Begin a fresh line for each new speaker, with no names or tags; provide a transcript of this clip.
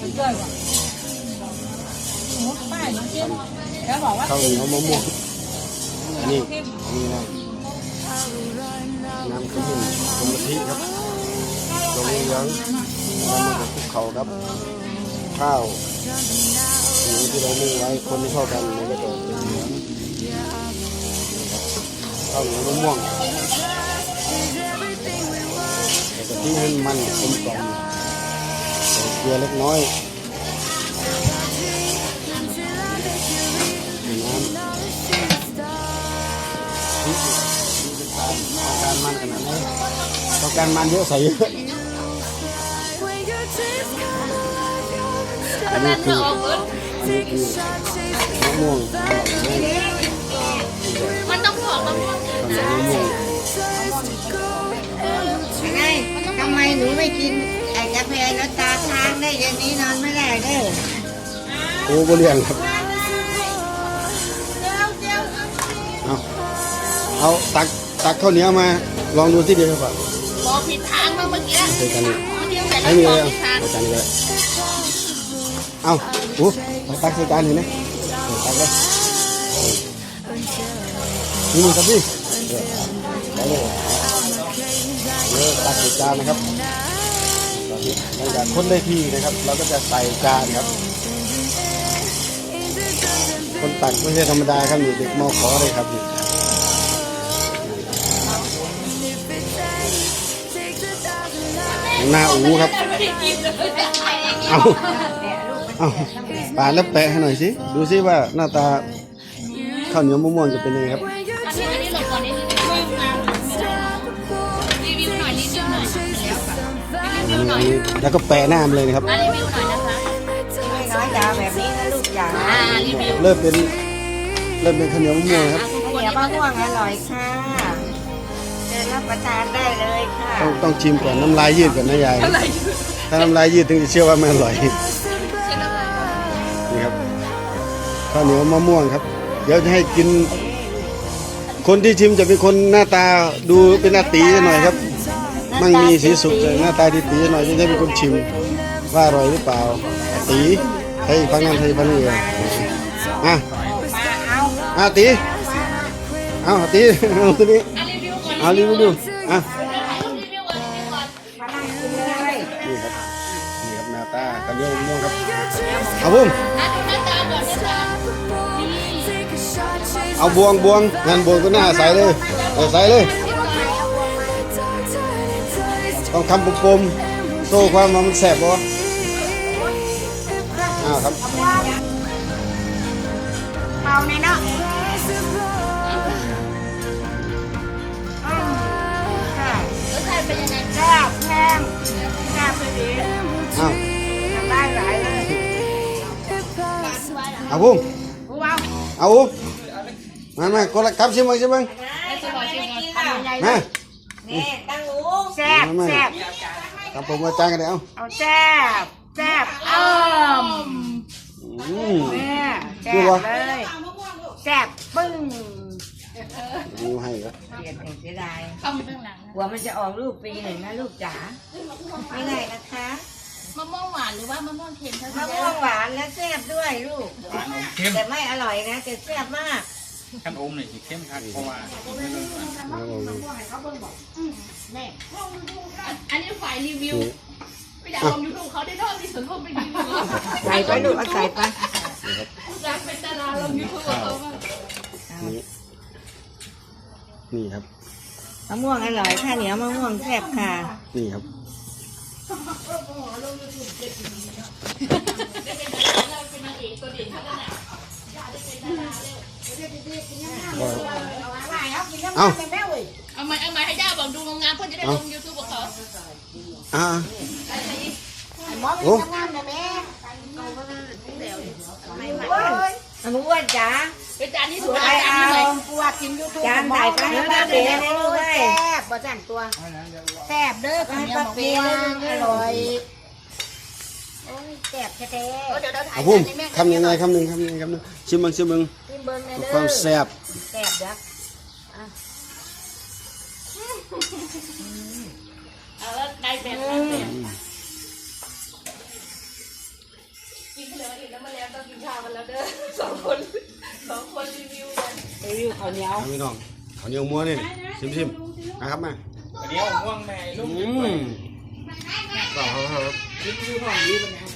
ด้วยว่ะหมูป้าหนูกินแล้วบอกว่า
ข้าวเหนียวมะม่วงนี่นะน้ำขมิ้นกะทิครับตรงนี้เหลืองเรามาคลุกเขาครับข้าวเหนียวที่เรานึ่งไว้คนให้เข้ากันมันก็จะเป็นเหลืองข้าวเหนียวมะม่วงแต่กะทิให้มันกลมกล่อมใส่เกลือเล็กน้อยการมันขนาดนี้ต้องการมันเยอะใส่เยอะอันนี้คือมะม่วง
มันต้องถอดมะม่วง
มะม่วง
ไงทำไมหนูไม่กินไอ้กาแฟแล้วตาค้างได้อย่างนี้นอนไม่ได้เด้อ
โอ้บริเวณครับเอาตักข้าวเหนียวมาลองดูที่เดียวก่อน
บอกผิดทางมาเมื่อกี้
ใส่กันนี่ให้มีเลยใส่จานนี้เลยเอาโอ้ตักใส่จานเห็นไหมตักเลยนี่มึงครับพี่ได้เลยตักใส่จานนะครับหลังจากคนได้ที่นะครับเราก็จะใส่จานครับคนตักไม่ใช่ธรรมดาครับนี่เด็กมอขอเลยครับนี่หน้าอูครับเอาปาดแล้วแปะให้หน่อยสิดูสิว่าหน้าตาข้าวเหนียวมะม่วงจะเป็นยังไงครับ
อันนี้หลบก่อนนิดนึงรีวิวหน่อย
แล้วก็แปะหน้ามันเลยนะครับ
รีวิวหน่อยนะคะ
ไม่น้อยจ๋าแบบนี้นะลูกจ๋า
รีวิว
เริ่มเป็นข้าวเหนียวมะม่วงครับ
ข้าวเหนียวมะม่วงอร่อยค่ะจะรับประทานได้เลยค่ะ
ต้องชิมก่อนน้ำลายยืดก่อนนะยายถ้าน้ำลายยืดถึงจะเชื่อว่ามันอร่อยนี่ครับข้าวเหนียวมะม่วงครับเดี๋ยวจะให้กินคนที่ชิมจะเป็นคนหน้าตาดูเป็นหน้าตีหน่อยครับมั่งมีสีสุขหน้าตาตีหน่อยจะได้เป็นคนชิมว่าอร่อยหรือเปล่าตีให้ฟังนั่นให้ฟังนี่เลยตีเอาตัวนี้เอารีวิวดูนี่ครับหน้าตาข้าวเหนียวมะม่วงครับเอาบุ้มเอาบวงงานบวงก็หน้าใส่เลยใส่เลยต้องทำปุ่มโซ่ความมันแสบบ่ครับ
เบาในเนาะ
เป็นยังไง
แซ่บแห้งแซ่บเลยดีได้หลายเลย
เอาบุ้มเอามาคนละครับชิมบ้าง
นี่ตั้งหูแซ่บ
ทำผมมาจานกันเดี๋ยว
เอาแซ่บแซ่บแซ่บเลยแซ่บปึ้ง
ดูให้ครับ
เสียดายหัวมันจะออกลูกปีหนึ่งนะลูกจ๋าไม่ได้นะคะ
มะม่วงหวานหรือว่ามะม่วงเค็ม
มะม่วงหวานและแซ่บด้วยลูกแต่ไม่อร่อยนะแต่แซ่บมาก
ขั้นอมหน่อยสิเข้มขัดเพราะว่า
อันนี้ฝ่ายรีวิวไม่อยากลงยูทูบเขาได้ทอดที่สุดเขาไปรีวิว
ใส่ไปลูกเอาใส่ไป
อยากเป็นดาราลงยูทูบเขาบ้าง
นี่ครับ
มะม่วงอร่อยข้าวเหนียวมะม่วงแซ่บค่ะ
นี่ครับ
เอาไม้ให้ย่าบอกดูงามเพื่อจะได้ลงยูทูบของเขา
โอ้
อ้วนจ๋า
เป็นจานที่สวย
จานนี้ปวดกินยูทูบจานใหญ่ไปให้ป้าเป๋เลยแซ่บบ่จังตัวแซ่บเด้อให้ป้าเป๋อร่อยแซ่บแท้
ๆเอาพุ่มคำยังไงคำหนึ่งชิมบ้างความแซ่บ
แซ่บเด้อ
เอาแล้วได้แบบนั้นอิ่มแล้วมาแล้วต้องกินข้าวกันแล้วเด้อสองคนรีวิวกัน
รีวิวข้าวเหนียว
พี่น้องข้าวเหนียวม้วนนี่ชิมนะครับมา
เดี๋ยวง่วงแม่ลูก
ต่อครับ
รีวิวของดีเป็นไง